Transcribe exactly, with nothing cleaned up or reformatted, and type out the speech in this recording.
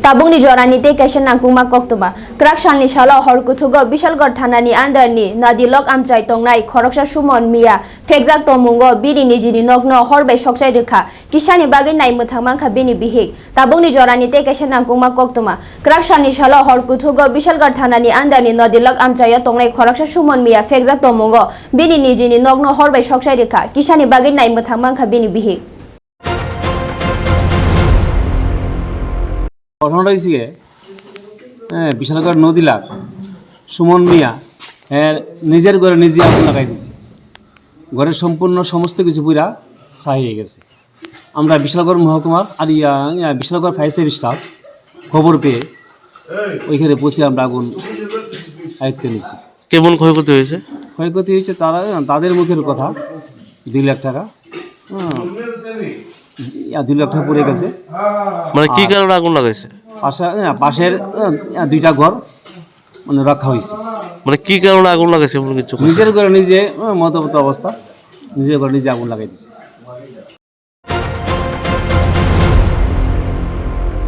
Tabungni jorani te kaisa nangkungma koktoma Kraksalni salo horkuthugo Bishalgarh thanani andarni Nadilok amchai tongnai Khoroksa Sumon Mia Phekjak tomungo bini nijini nokno horbai sokchai rekha Kisani bagi naimmo thangmangkha bini bihik Tabungni jorani te kaisa nangkungma koktoma Kraksalni salo horkuthugo Bishalgarh thanani andarni Nadilok amchai tongnai Khoroksa Sumon Mia Phekjak tomungo bini nijini nokno horbai sokchai rekha Kisani bagi naimmo thangmangkha bini bihik ঘটনাটা হয়েছে হ্যাঁ বিশালগড় নদীলাগ সুমন মিয়া হ্যাঁ নিজের ঘরে নিজে আগুন লাগাই দিছে ঘরের সম্পূর্ণ সমস্ত কিছু পুরা ছাই হয়ে গেছে আমরা বিশালগড় মহকুমার আর ইয়া বিশালগড় ফায়ার সার্ভিস স্টাফ খবর পেয়ে ওইখানে পৌঁছে আমরা আগুন আয়ত্তে নিয়েছি। কেমন ক্ষয়ক্ষতি হয়েছে? ক্ষয়ক্ষতি হয়েছে তারা তাদের মুখের কথা দুই লাখ টাকা হ্যাঁ দুই লাখ টাকা পড়ে গেছে। মানে কি কারণে আগুন লাগাইছে? পাশে পাশের দুইটা ঘর মানে রক্ষা হয়েছে। মানে কি কারণে আগুন লাগাইছে? কিছু নিজের ঘরে নিজে মতবত অবস্থা নিজের ঘরে নিজে আগুন লাগাই দিচ্ছে।